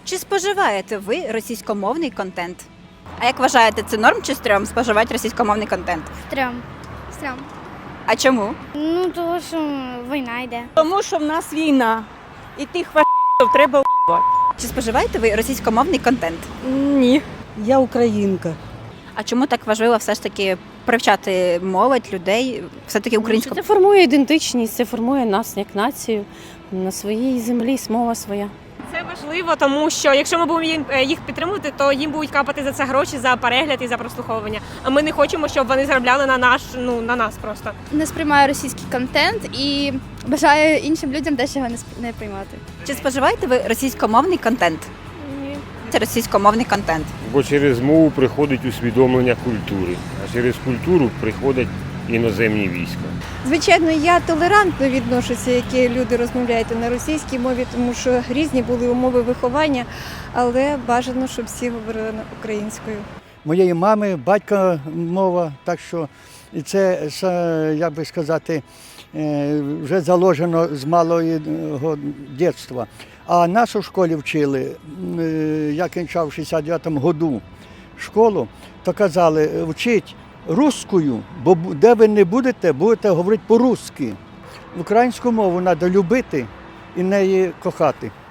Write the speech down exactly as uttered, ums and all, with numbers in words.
Чи споживаєте ви російськомовний контент? А як вважаєте, це норм чи стрьом споживати російськомовний контент? Стрьом. Стрьом. А чому? Ну, тому що війна йде. Тому що в нас війна. І тих фашистів треба вбивати. Чи споживаєте ви російськомовний контент? Ні. Я українка. А чому так важливо все ж таки привчати молодь, людей, все-таки українську? Це формує ідентичність, це формує нас як націю. На своїй землі мова своя. Це важливо, тому що якщо ми будемо їм- е, їх підтримувати, то їм будуть капати за це гроші, за перегляд і за прослуховування. А ми не хочемо, щоб вони заробляли на наш, ну на нас просто. Не сприймаю російський контент і бажаю іншим людям теж його не сп- не приймати. Чи споживаєте ви російськомовний контент? Ні. Це російськомовний контент. Бо через мову приходить усвідомлення культури, а через культуру приходять іноземні війська. Звичайно, я толерантно відношуся, які люди розмовляють на російській мові, тому що різні були умови виховання, але бажано, щоб всі говорили на- українською. Моєї мами, батька мова, так що і це, са- як би сказати, е, вже заложено з малого дитинства. А нас у школі вчили, м, е, я кінчав в шістдесят дев'ятому году школу, то казали, вчіть русскою, бо бу- де ви не будете, будете говорити по-русски. Українську мову треба любити і неї кохати.